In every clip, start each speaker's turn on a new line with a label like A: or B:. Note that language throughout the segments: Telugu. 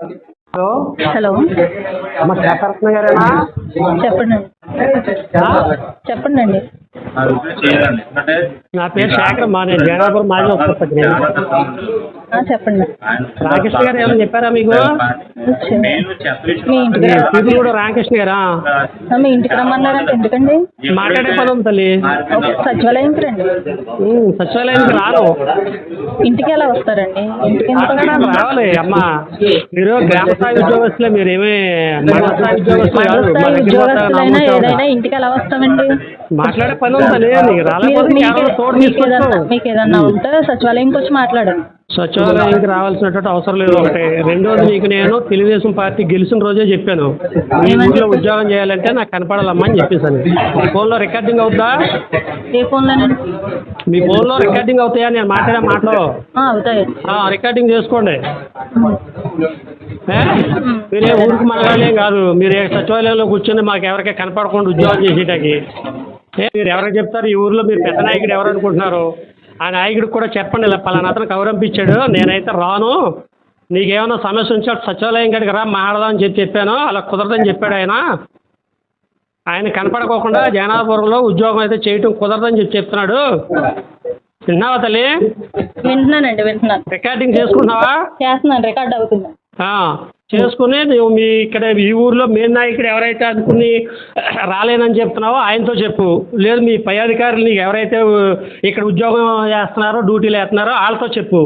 A: హలో
B: హలో
A: అమ్మ శేఖరత్న గారేనా?
B: చెప్పండి చెప్పండి అండి.
A: నా పేరు శేఖర్ అమ్మా, నేను జైనాపురం మాజీ ఉపసర్పంచిని.
B: చెప్పండి.
A: రామకృష్ణ గారు ఏమైనా చెప్పారా మీకు?
B: మీ ఇంటికి
A: ఇది కూడా రామకృష్ణ గారా?
B: మీ ఇంటికి రమ్మన్నారంటే ఎందుకండి?
A: మాట్లాడే పని ఉంది తల్లి.
B: సచివాలయంకి రండి.
A: సచివాలయానికి రాను.
B: ఇంటికి ఎలా వస్తారండి? ఇంటికి
A: మాట్లాడాలి రావాలి అమ్మా. మీరు గ్రామ స్థాయి ఉద్యోగస్తులే, మీరేమీ మండల స్థాయి ఉద్యోగస్తులు కాదు.
B: ఉద్యోగస్తులైనా ఏదైనా ఇంటికి ఎలా వస్తామండి?
A: మాట్లాడే పని ఉంది తల్లి. నీకు రాలేకపోతే కేవలం తోడు తీసుకొస్తాం.
B: మీకు ఏదన్నా ఉంటే సచివాలయంకి వచ్చి మాట్లాడండి.
A: సచివాలయానికి రావాల్సినటువంటి అవసరం లేదు. ఒకటి. రెండోది, నీకు నేను తెలుగుదేశం పార్టీ గెలిచిన రోజే చెప్పాను, మీ ఊళ్ళో ఉద్యోగం చేయాలంటే నాకు కనపడాలమ్మా అని చెప్పేసాను. మీ ఫోన్లో రికార్డింగ్ అవుతుందా?
B: ఏ ఫోన్లోనండి?
A: మీ ఫోన్లో రికార్డింగ్ అవుతాయా నేను మాట్లాడే మాటలు?
B: అవుతాయి.
A: రికార్డింగ్ చేసుకోండి. మీరే ఊరికి మనగాళ్ళేం కాదు. మీరే సచివాలయంలో కూర్చొని మాకు ఎవరికీ కనపడకుండా ఉద్యోగం చేసేటానికి మీరు ఎవరికి చెప్తారు? ఈ ఊర్లో మీరు పెద్ద నాయకుడు ఎవరు అనుకుంటున్నారు? ఆ నాయకుడికి కూడా చెప్పండి, ఇలా పలానా అతను కౌరంపించాడు, నేనైతే రాను, నీకేమైనా సమస్య ఉంటే సచివాలయం కాడికి రా మాట్లాడదామని చెప్పాను. అలా కుదరదని చెప్పాడు ఆయన కనపడకోకుండా జైనాపురంలో ఉద్యోగం అయితే చేయటం కుదరదని చెప్తున్నాడు. విన్నావా తల్లి?
B: వింటున్నానండి, వింటున్నాను.
A: రికార్డింగ్ చేసుకుంటున్నావా?
B: చేస్తున్నాను, రికార్డ్ అవుతుంది.
A: చేసుకుని నువ్వు మీ ఇక్కడ ఈ ఊర్లో మెయిన్ నాయకుడు ఎవరైతే అనుకుని రాలేనని చెప్తున్నావో ఆయనతో చెప్పు. లేదు మీ పై అధికారులు నీకు ఎవరైతే ఇక్కడ ఉద్యోగం చేస్తున్నారో డ్యూటీలు వేస్తున్నారో వాళ్ళతో చెప్పు.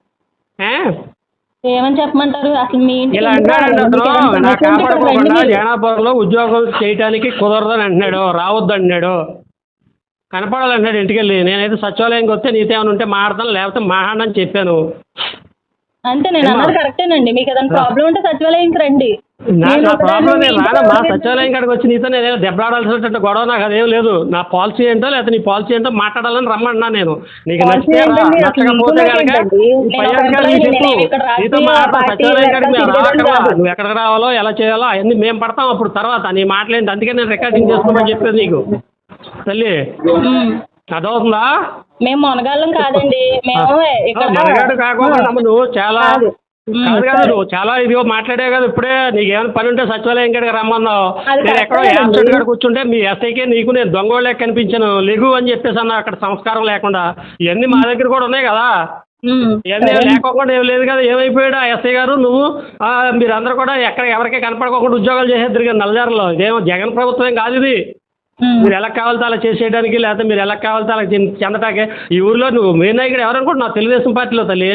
B: ఏమని చెప్పమంటారు? అసలు మీ
A: ఇలా అంటాడండి అతను. నాకు కాపాడుకోకుండా జైనాపురంలో ఉద్యోగం చేయడానికి కుదరదని అంటున్నాడు, రావద్దు అంటున్నాడు, కనపడాలంటున్నాడు ఇంటికెళ్ళి. నేనైతే సచివాలయంకి వస్తే నీతో ఏమైనా ఉంటే మాట్లాడతాను, లేకపోతే మాట్లాడని చెప్పాను.
B: అంటే నేను అన్నది కరెక్టేనండి. మీకు ఏదైనా ప్రాబ్లం ఉంటే సచివాలయంకి రండి.
A: నాకు ఆ ప్రాబ్లం నేను రానమ్మా. సచివాలయం కాడికి వచ్చి నీతో నేను దెబ్బలాడాల్సినటువంటి గొడవ నాకు అదేం లేదు. నా పాలసీ ఏంటో లేకపోతే నీ పాలసీ ఏంటో మాట్లాడాలని రమ్మన్నా నేను. నీకు నచ్చితే నచ్చకపోతే కనుక పై అధికారులు చెప్పు, నీతో మాట్లాడతా. సచివాలయం కాడికి మేము రావట్లా, నువ్వు ఎక్కడికి రావాలో ఎలా చేయాలో అవన్నీ మేము పడతాం అప్పుడు తర్వాత. నీ మాట్లాడింది అందుకే నేను రికార్డింగ్ చేసుకోమని చెప్పేది నీకు తల్లి. అదవుతుందా?
B: మేము మొనగాళ్ళం కాదండి.
A: మనగాడు కాకుండా నువ్వు చాలా కాదు, నువ్వు చాలా ఇదిగో మాట్లాడే కదా. ఇప్పుడే నీకేమైనా పని ఉంటే సచివాలయం కాడికి రమ్మన్నావు. నేను ఎక్కడో యాబ్సెంట్ కాడ కూర్చుంటే మీ ఎస్ఐకే నీకు నేను దొంగోళ్ళే కనిపించాను, లెగు అని చెప్పేసి అన్నా. అక్కడ సంస్కారం లేకుండా ఇవన్నీ మా దగ్గర కూడా ఉన్నాయి కదా. ఇవన్నీ లేకోకుండా ఏం లేదు కదా. ఏమైపోయాడు ఆ ఎస్ఐ గారు? నువ్వు మీరందరూ కూడా ఎవరికీ కనపడకోకుండా ఉద్యోగాలు చేసేద్దరు కదా నల్లజారులో. ఇదేమో జగన్ ప్రభుత్వం కాదు ఇది. మీరు ఎలా కావాలితే అలా చేసేయడానికి, లేకపోతే మీరు ఎలా కావాలితే అలా చెందటాకే. ఈ ఊర్లో నువ్వు మెయిన్ నాయకుడు ఎవరనుకుంటున్నావు? తెలుగుదేశం పార్టీలో తల్లి.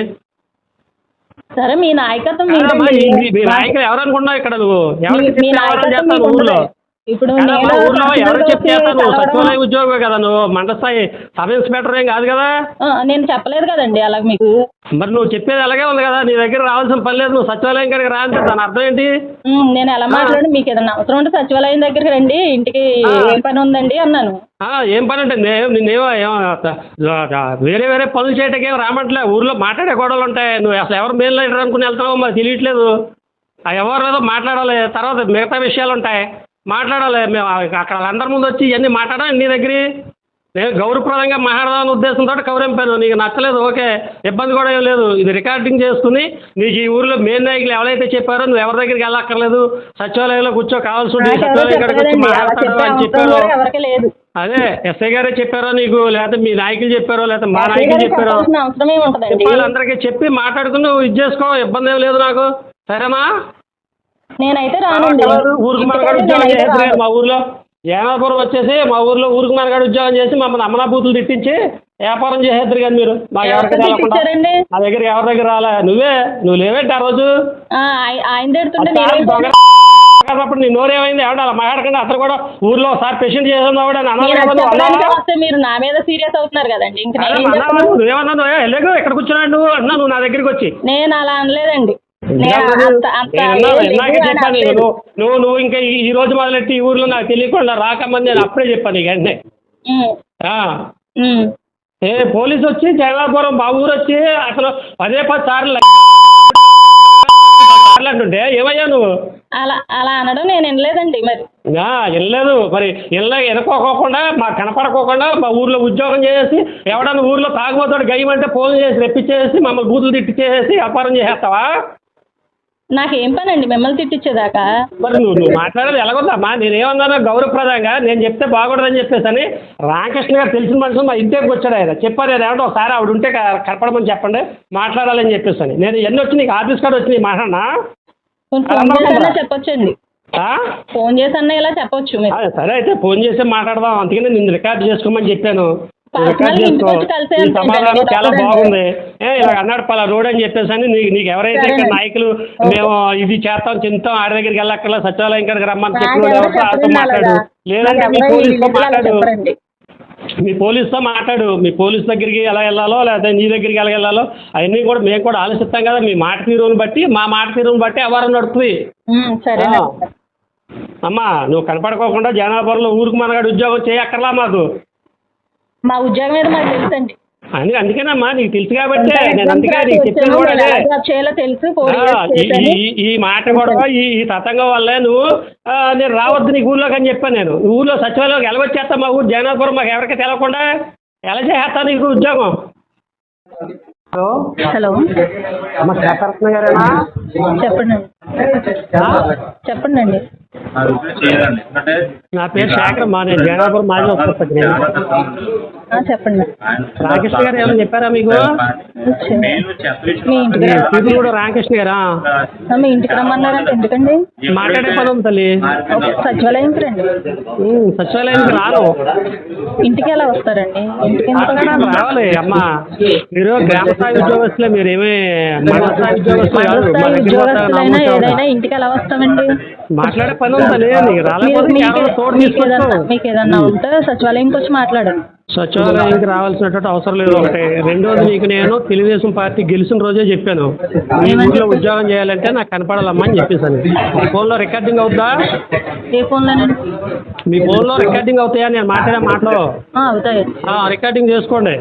B: సరే మీ నాయకత్వం
A: మీ నాయకుడు ఎవరనుకుంటున్నావు? ఇక్కడ నువ్వు ఎవరికి చేస్తావు ఊర్లో?
B: ఇప్పుడు
A: ఊర్లో ఎవరికి చెప్పేస్తావు? నువ్వు సచివాలయం ఉద్యోగమే కదా, నువ్వు మండల స్థాయి సబ్ ఇన్స్పెక్టర్ ఏం కాదు కదా.
B: నేను చెప్పలేదు కదండి అలా మీకు.
A: మరి నువ్వు చెప్పేది అలాగే ఉంది కదా. నీ దగ్గర రావాల్సిన పని లేదు, నువ్వు సచివాలయం కాడికి రా అంటే దాని అర్థం ఏంటి?
B: నేను ఎలా మాట్లాడి మీకు ఏదన్నా అవసరం ఉంటే సచివాలయం దగ్గరికి రండి, ఇంటికి ఏం పని ఉందండి అన్నాను.
A: ఏం పని అంటే నిన్నేమో వేరే వేరే పనులు చేయటానికి ఏం రామట్లే. ఊర్లో మాట్లాడే గొడవలు ఉంటాయి. నువ్వు అసలు ఎవరు మెయిన్ లీడర్ అనుకుని వెళ్తావో మరి తెలియట్లేదు. ఎవరు ఏదో మాట్లాడాలి, తర్వాత మిగతా విషయాలు ఉంటాయి మాట్లాడాలి. మేము అక్కడ వాళ్ళందరి ముందు వచ్చి ఇవన్నీ మాట్లాడాలి నీ దగ్గర. నేను గౌరవప్రదంగా మాట్లాడదామనే ఉద్దేశంతో కవరింపాను. నీకు నచ్చలేదు, ఓకే, ఇబ్బంది కూడా ఏం లేదు. ఇది రికార్డింగ్ చేసుకుని నీకు ఈ ఊరిలో మెయిన్ నాయకులు ఎవరైతే చెప్పారో నువ్వు ఎవరి దగ్గరికి వెళ్ళక్కర్లేదు, సచివాలయంలో కూర్చో, కావాల్సి ఉంటే సచివాలయం కాడికి వచ్చి మాట్లాడతాడు అని చెప్పారు. అదే ఎస్ఐ గారే చెప్పారో నీకు, లేకపోతే మీ నాయకులు చెప్పారో, లేకపోతే మా నాయకులు చెప్పారో వాళ్ళందరికీ చెప్పి మాట్లాడుకుని నువ్వు ఇది చేసుకో, ఇబ్బంది ఏం లేదు నాకు. సరేనా?
B: నేనైతే
A: ఊరికి మనగాడు ఉద్యోగం చేసేది మా ఊర్లో. జైనాపురం వచ్చేసి మా ఊర్లో ఊరికి మనగాడు ఉద్యోగం చేసి మమ్మల్ని అమ్మనా బూతులు తిట్టించి వ్యాపారం చేసేద్దరు కానీ మీరు. మాకు ఎవరికి నా దగ్గర ఎవరి దగ్గర రాలే. నువ్వు లేవేంటి ఆ రోజు? అప్పుడు నీ నోరేమైంది? ఎవడ అలా మాట్లాడకుండా అతను కూడా ఊర్లో ఒకసారి పేషెంట్ చేసేవాడు అని అన్నావు.
B: మీరు నా మీద సీరియస్ అవుతున్నారు కదండి.
A: నువ్వేమన్నా వెళ్ళకు, ఎక్కడ కూర్చున్నాడు నువ్వు అన్నా, నువ్వు నా దగ్గరికి వచ్చి.
B: నేను అలా అనలేదండి.
A: చెప్పాను నువ్వు ఇంకా ఈ రోజు మొదలెట్టి ఈ ఊర్లో నాకు తెలియకుండా రాకమని నేను అప్పుడే చెప్పాను నీకు వెంటనే. పోలీసు వచ్చి జైనాపురం మా ఊరు వచ్చి అసలు 10 సార్లు అంటుంటే ఏమయ్యా నువ్వు?
B: అలా అనడం నేను వినలేదండి. మరి
A: వినలేదు. మరి వెనుకోకుండా మాకు కనపడకోకుండా మా ఊర్లో ఉద్యోగం చేసి ఎవడన్నా ఊర్లో తాగుబోతాడు గయ్యమంటే ఫోన్ చేసి రెప్పించేసి మమ్మల్ని బూతులు తిట్టించేసి వ్యాపారం చేసేస్తావా?
B: నాకేం పని అండి మిమ్మల్ని తిట్టించేదాకా?
A: మరి నువ్వు మాట్లాడేది ఎలాగొద్దమ్మా? నేనేమన్నాను గౌరవప్రదంగా నేను చెప్తే బాగూడదని చెప్పేసి అని రామకృష్ణ గారు తెలిసిన మనుషులు మా ఇంటికి వచ్చాడు. ఆయన చెప్పారు, నేను ఏమంటే ఒకసారి ఆవిడ ఉంటే కనపడమని చెప్పండి మాట్లాడాలని చెప్పేసి అని. నేను ఎన్ని వచ్చి నీకు ఆఫీస్ కార్డు వచ్చి మాట్లాడినా
B: ఫోన్ చేసన్నా చెప్పొచ్చండి, ఫోన్ చేసన్నా ఇలా చెప్పొచ్చు మీరు.
A: సరే అయితే ఫోన్ చేసి మాట్లాడదాం, అందుకని నిన్ను రికార్డ్ చేసుకోమని చెప్పాను. రికార్డ్
B: పర్సనల్గా
A: చేసుకో.
B: ఇంటికి వచ్చి కలిసే
A: ఈ
B: వెళ్తాను
A: సమాధానం
B: నేను
A: చాలా
B: ఒక్కదాన్నే.
A: బాగుంది. ఇలా అన్నాడు పలా రోడ్ అని చెప్పేసి అని నీకు ఎవరైతే ఇక్కడ
B: సరేనండి.
A: నాయకులు మేము ఇది చేస్తాం చింతాం ఆడి దగ్గరికి వెళ్ళక్కర్లా సచివాలయం కాడికి రమ్మని
B: నాకు
A: చెప్పిన
B: ఎవరు
A: వాళ్ళతో
B: చెప్పరండి
A: మాట్లాడు.
B: అలాగా.
A: లేదంటే
B: నాకు
A: మీ
B: ఎవరు
A: పోలీసుతో
B: ఇంటికి అలా
A: మాట్లాడు.
B: చెప్పరండి.
A: మీ పోలీసుతో మాట్లాడు. మీ పోలీస్ దగ్గరికి ఎలా వెళ్ళాలో లేకపోతే నీ దగ్గరికి ఎలా వెళ్ళాలో అవన్నీ కూడా మేము కూడా ఆలోచిస్తాం కదా. మీ మాట తీరుని బట్టి మా మాట తీరుని బట్టి వ్యవహారం నడుపుతుంది.
B: సరేనండి.
A: అమ్మా నువ్వు కనపడుకోకుండా జనాభాలో ఊరికి మనగాడు ఉద్యోగం చేయక్కర్లా మాకు.
B: మా ఉద్యోగం మీద మాకు తెలుసండి.
A: అందుకేనమ్మా నీకు తెలుసు కాబట్టి నేను అందుకే నీకు చెప్పాను కూడా అదే.
B: చేయాలో తెలుసు.
A: ఈ మాట కూడా ఈ తతంగం వల్లే నువ్వు నేను రావద్దు నీకు ఊళ్ళోకి అని చెప్పాను. నేను ఊళ్ళో సచివాలయంలోకి ఎలా వచ్చేస్తా? మా ఊరు జగన్నాథపురం మాకు ఎవరికి తెలవకుండా ఎలా చేస్తా నీకు ఉద్యోగం? హలో
B: హలో
A: అమ్మ శేఖరత్న గారేనా?
B: చెప్పండి చెప్పండి అండి.
A: నా పేరు శేఖరమ్మా, నేను జగన్నాథపురం మాజీ ఉపసర్పంచ్.
B: చెప్పండి.
A: రామకృష్ణ గారు ఏమైనా చెప్పారా మీకు?
B: మీ ఇంటికి
A: మీరు కూడా రామకృష్ణ గారా?
B: మీ ఇంటికి రమ్మన్నారంటే ఎందుకండి?
A: మాట్లాడే పని ఉంది తల్లి.
B: సచివాలయంకి రండి.
A: సచివాలయానికి రాను.
B: ఇంటికి ఎలా వస్తారండి? ఇంటికి
A: రావాలి అమ్మా. మీరు గ్రామ స్థాయి ఉద్యోగస్తులే, మీరేమీ మండల స్థాయి ఉద్యోగస్తులు కాదు.
B: ఉద్యోగస్తులైనా ఏదైనా ఇంటికి ఎలా వస్తామండి?
A: మాట్లాడే పని ఉంది తల్లి. నీకు రాలేకపోతే కేవలం తోడు తీసుకొస్తావు.
B: మీకు ఏదన్నా ఉంటే సచివాలయంకి వచ్చి మాట్లాడండి.
A: సచివాలయానికి రావాల్సినటువంటి అవసరం లేదు. ఒకటి. రెండోది, నీకు నేను తెలుగుదేశం పార్టీ గెలిచిన రోజే చెప్పాను, ఈ ఊళ్ళో ఉద్యోగం చేయాలంటే నాకు కనపడాలమ్మా అని చెప్పేసాను. మీ ఫోన్లో రికార్డింగ్ అవుతుందా?
B: ఏ ఫోన్లోనండి?
A: మీ ఫోన్లో రికార్డింగ్ అవుతాయా నేను మాట్లాడే మాటలు?
B: అవుతాయి.
A: రికార్డింగ్ చేసుకోండి.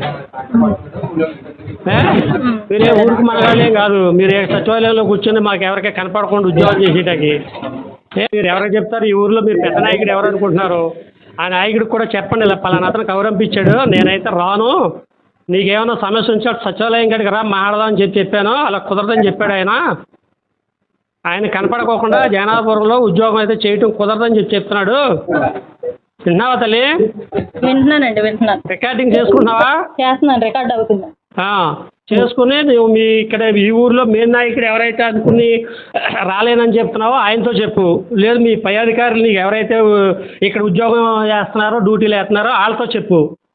A: మీరే ఊరికి మనగాలేం కాదు. మీరు సచివాలయంలో కూర్చొని మాకు ఎవరికీ కనపడకుండా ఉద్యోగం చేసేటానికి మీరు ఎవరికి చెప్తారు? ఈ ఊర్లో మీరు పెద్ద నాయకుడు ఎవరు అనుకుంటున్నారు? ఆ నాయకుడికి కూడా చెప్పండి, ఇలా పలానా అతను కౌరంపించాడు, నేనైతే రాను, నీకేమైనా సమస్య ఉంచాడు సచివాలయం కాడికి రా మాట్లాడదామని చెప్పాను. అలా కుదరదని చెప్పాడు ఆయన. ఆయన కనపడకోకుండా జగన్నాథపురంలో ఉద్యోగం అయితే చేయటం కుదరదని చెప్తున్నాడు. విన్నావా తల్లి?
B: వింటున్నానండి, వింటున్నాను.
A: రికార్డింగ్ చేసుకుంటున్నావా?
B: చేస్తున్నాను, రికార్డ్ అవుతుంది.
A: చేసుకుని నువ్వు మీ ఇక్కడ ఈ ఊర్లో మెయిన్ నాయకుడు ఎవరైతే అనుకుని రాలేనని చెప్తున్నావో ఆయనతో చెప్పు. లేదు మీ పై అధికారులు నీకు ఎవరైతే ఇక్కడ ఉద్యోగం చేస్తున్నారో డ్యూటీలు వేస్తున్నారో వాళ్ళతో చెప్పు.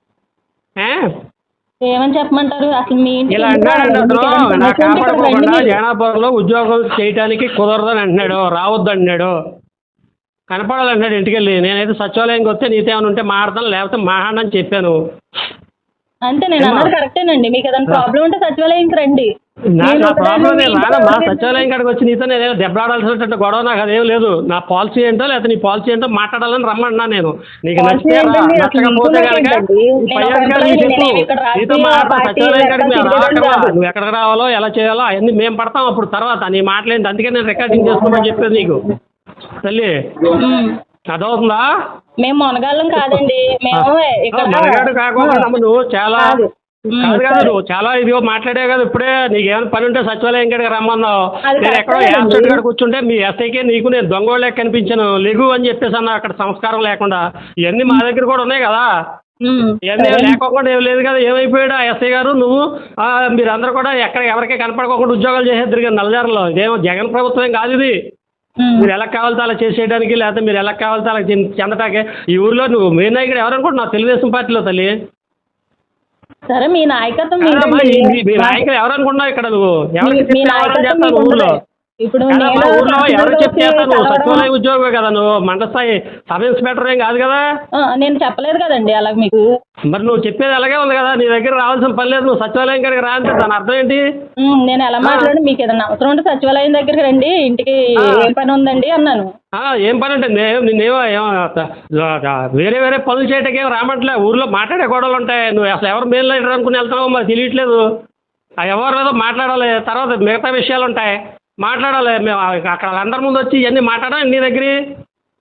B: ఏమని చెప్పమంటారు? అసలు మీ
A: ఇలా అంటాడండి అతను. నాకు కాపాడుకోకుండా జగన్నాథపురంలో ఉద్యోగం చేయడానికి కుదరదని అంటున్నాడు, రావద్దు అంటున్నాడు, కనపడాలంటున్నాడు ఇంటికి వెళ్ళి. నేనైతే సచివాలయంకి వస్తే నీతో ఏమైనా ఉంటే మాట్లాడతాను, లేకపోతే మాట్లాడని చెప్పాను.
B: అంటే నేను అన్నది కరెక్టేనండి. మీకు ఏదైనా ప్రాబ్లం ఉంటే సచివాలయంకి రండి.
A: నా ప్రాబ్లం నేను రానమ్మా. సచివాలయం కాడికి వచ్చి నీతో నేను దెబ్బలాడాల్సినట్టు గొడవ నాకు అదేం లేదు. నా పాలసీ ఏంటో లేకపోతే నీ పాలసీ ఏంటో మాట్లాడాలని రమ్మన్నా నేను. నీకు నచ్చితే నచ్చకపోతే కనుక పై అధికారులు చెప్పు, నీతో మాట్లాడతాం. సచివాలయం కాడికి మేము రావట్లా, నువ్వు ఎక్కడికి రావాలో ఎలా చేయాలో అవన్నీ మేము పడతాం అప్పుడు తర్వాత. నీ మాట్లాడింది అందుకే నేను రికార్డింగ్ చేసుకోమని చెప్పేది నీకు తల్లి. అదవుతుందా?
B: మేము మొనగాళ్ళం కాదండి. మేము
A: మనగాడు కాకుండా నువ్వు చాలా కాదు, నువ్వు చాలా ఇదిగో మాట్లాడావు కదా ఇప్పుడే. నీకేమైనా పని ఉంటే సచివాలయం కాడికి రమ్మన్నావు. నేను ఎక్కడో యాబ్సెంట్ కాడ కూర్చుంటే మీ ఎస్ఐకే నీకు నేను దొంగోళ్ళే కనిపించాను, లెగు అని చెప్పేసి అన్నా. అక్కడ సంస్కారం లేకుండా ఇవన్నీ మా దగ్గర కూడా ఉన్నాయి కదా. ఇవన్నీ లేకోకుండా ఏం లేదు కదా. ఏమైపోయాడు ఆ ఎస్ఐ గారు? నువ్వు మీరందరూ కూడా ఎక్కడ ఎవరికీ కనపడకోకుండా ఉద్యోగాలు చేసేద్దరు కదా నల్లజారులో. ఇదేమో జగన్ ప్రభుత్వం కాదు ఇది. మీరు ఎలా కావాలితే అలా చేసేయడానికి, లేకపోతే మీరు ఎలా కావాలితే అలా చెందటానికి. ఈ ఊర్లో నువ్వు మెయిన్ నాయకుడు ఎవరనుకుంటున్నావు? తెలుగుదేశం పార్టీలో తల్లి.
B: సరే మీ నాయకత్వం
A: మీ నాయకుడు ఎవరనుకుంటున్నావు? ఇక్కడ నువ్వు ఎవరికి చేస్తావు ఊర్లో?
B: ఇప్పుడు
A: ఊర్లో ఎవరు చెప్పేస్తా? నువ్వు సచివాలయం ఉద్యోగమే కదా, నువ్వు మండల స్థాయి సబ్ ఇన్స్పెక్టర్ ఏం కాదు కదా.
B: నేను చెప్పలేదు కదండి అలా మీకు.
A: మరి నువ్వు చెప్పేది అలాగే ఉంది కదా. నీ దగ్గర రావాల్సిన పని లేదు, నువ్వు సచివాలయం కాడికి రా అంటే దాని అర్థం ఏంటి?
B: నేను ఎలా మాట్లాడి మీకు ఏదన్నా అవసరం ఉంటే సచివాలయం దగ్గరికి రండి, ఇంటికి ఏం పని ఉందండి అన్నాను.
A: ఏం పని అంటే నిన్నేమో వేరే వేరే పనులు చేయటానికి ఏం రామట్లే. ఊర్లో మాట్లాడే గొడవలు ఉంటాయి. నువ్వు అసలు ఎవరు మెయిన్ లీడర్ అనుకుని వెళ్తున్నావో మరి తెలియట్లేదు. ఎవరు ఏదో మాట్లాడాలి, తర్వాత మిగతా విషయాలు ఉంటాయి మాట్లాడాలి. మేము అక్కడ అందరి ముందు వచ్చి ఇవన్నీ మాట్లాడాలి నీ దగ్గర.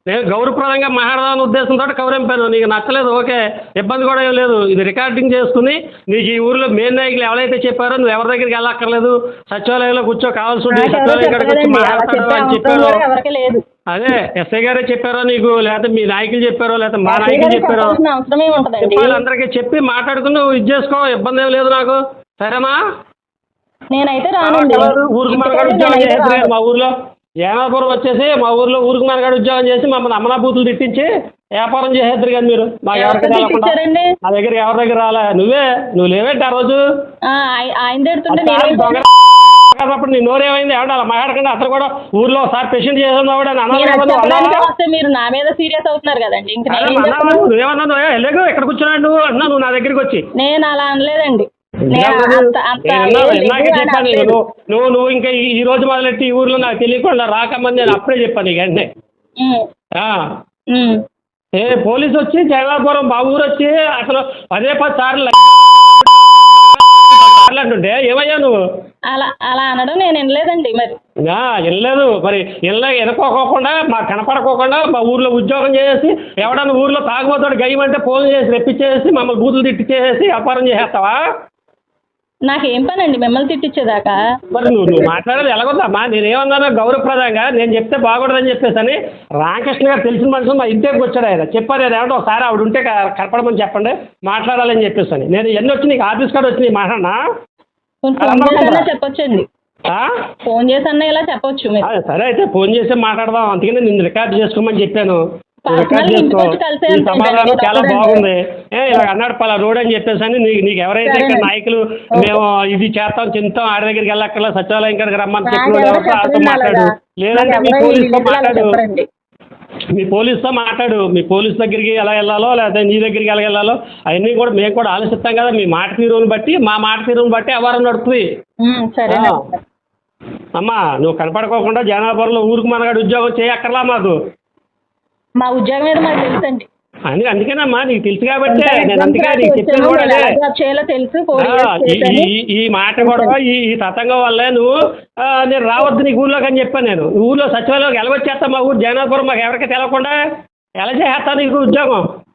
A: నేను గౌరవప్రదంగా మాట్లాడదాని ఉద్దేశంతో కౌరింపాను. నీకు నచ్చలేదు, ఓకే, ఇబ్బంది కూడా ఏం లేదు. ఇది రికార్డింగ్ చేసుకుని నీకు ఈ ఊర్లో మెయిన్ నాయకులు ఎవరైతే చెప్పారో నువ్వు ఎవరి దగ్గరికి వెళ్ళక్కర్లేదు, సచివాలయంలో కూర్చో, కావాల్సి ఉంటే సచివాలయం కాడికి వచ్చి మాట్లాడతాడు అని చెప్పారు.
B: ఎవరికి లేదు.
A: అదే ఎస్ఐ గారే చెప్పారో నీకు, లేకపోతే మీ నాయకులు చెప్పారో, లేకపోతే మా నాయకులు చెప్పారో,
B: అవసరమే ఉంటదండి.
A: చెప్పాలి. అందరికీ చెప్పి మాట్లాడుకుని నువ్వు ఇది చేసుకో, ఇబ్బంది ఏం లేదు నాకు, సరేనా?
B: నేనైతే రానండి.
A: ఊరికి మనగాడు ఉద్యోగం చేసేది మా ఊర్లో. ఏనాపురం వచ్చేసి మా ఊర్లో ఊరికి మనగాడు ఉద్యోగం చేసి మమ్మల్ని అమ్మనా బూతులు తిట్టించి వ్యాపారం చేసేద్దరు కానీ మీరు మాకు ఎవరికి రాకుండా. నా దగ్గర ఎవరి దగ్గర రాలే, నువ్వు లేవేంటి ఆ రోజు?
B: ఆయన తిడుతుంటే
A: అప్పుడు నీ నోరేమైంది? ఎవడ అలా మాట్లాడకుండా అతను కూడా ఊర్లో ఒకసారి పేషెంట్ చేసేది
B: మీరు నా మీద సీరియస్ అవుతున్నారు కదండి.
A: నువ్వేమన్నా వెళ్ళకు, ఎక్కడ కూర్చున్నాడు నువ్వు అన్నా, నువ్వు నా దగ్గరికి వచ్చి.
B: నేను అలా అనలేదండి.
A: చెప్పాను నువ్వు ఇంకా ఈ రోజు మొదలెట్టి ఈ ఊర్లో నాకు తెలియకుండా రాకమని నేను అప్పుడే చెప్పాను నీకు వెంటనే. పోలీసు వచ్చి జగన్నాపురం మా ఊరు వచ్చి అసలు 10 సార్లు అంటుంటే ఏమయ్యా నువ్వు?
B: అలా అనడం నేను వినలేదండి. మరి
A: వినలేదు, మరి వెనుకోకుండా మాకు కనపడకోకుండా మా ఊర్లో ఉద్యోగం చేసి ఎవడన్నా ఊర్లో తాగుబోతాడు గయ్యమంటే ఫోన్ చేసి రెప్పించేసి మమ్మల్ని బూతులు తిట్టించేసి వ్యాపారం చేసేస్తావా?
B: నాకేం పని అండి మిమ్మల్ని తిట్టించేదాకా?
A: మరి నువ్వు మాట్లాడేది ఎలాగొద్దమ్మా? నేనేమన్నాను గౌరవప్రదంగా నేను చెప్తే బాగూడదని చెప్పేసి అని రామకృష్ణ గారు తెలిసిన మనుషులు మా ఇంటికి వచ్చాడు. ఆయన చెప్పారు, నేను ఏమంటే ఒకసారి ఆవిడ ఉంటే కనపడమని చెప్పండి మాట్లాడాలని చెప్పేసి అని. నేను ఎన్ని వచ్చి నీకు ఆఫీస్ కార్డు వచ్చి మాట్లాడినా
B: చెప్పొచ్చండి, ఫోన్ చేసి అన్న ఇలా చెప్పొచ్చు.
A: సరే అయితే ఫోన్ చేసి మాట్లాడదాం, అందుకని నేను రికార్డు చేసుకోమని చెప్పాను. రికార్డ్ చేసుకో, ఈ సమాధానం చాలా బాగుంది. ఇలా అన్నాడు పలా రోడ్ అని చెప్పేసి అని నీకు ఎవరైతే ఇక్కడ నాయకులు మేము ఇది చేస్తాం చెందుతాం ఆడి దగ్గరికి వెళ్ళక్కర్లా సచివాలయం కాడికి రమ్మని చెప్పిన వాళ్ళతో మాట్లాడు, లేదంటే మీ పోలీసుతో మాట్లాడు. మీ పోలీస్ దగ్గరికి ఎలా వెళ్ళాలో లేకపోతే నీ దగ్గరికి ఎలా వెళ్ళాలో అవన్నీ కూడా మేము కూడా ఆలోచిస్తాం కదా. మీ మాట తీరుని బట్టి మా మాట తీరుని బట్టి వ్యవహారం నడుపుతుంది. అమ్మా నువ్వు కనపడుకోకుండా జనాభాలో ఊరికి మనగాడు ఉద్యోగం చేయక్కర్లా మాకు.
B: మా ఉద్యోగం మీద మాకు తెలుసండి.
A: అందుకేనమ్మా నీకు తెలుసు కాబట్టి నేను అందుకే నీకు చెప్పాను కూడా. ఈ మాట కూడా ఈ తతంగం వల్లే నువ్వు నేను రావద్దు నీకు ఊర్లోకి అని చెప్పాను. నేను ఊర్లో సచివాలయంలోకి ఎలా వచ్చేస్తా? మా ఊరు జగన్నాపురం మాకు ఎవరికి తెలవకుండా ఎలా చేసేస్తా నీకు ఉద్యోగం?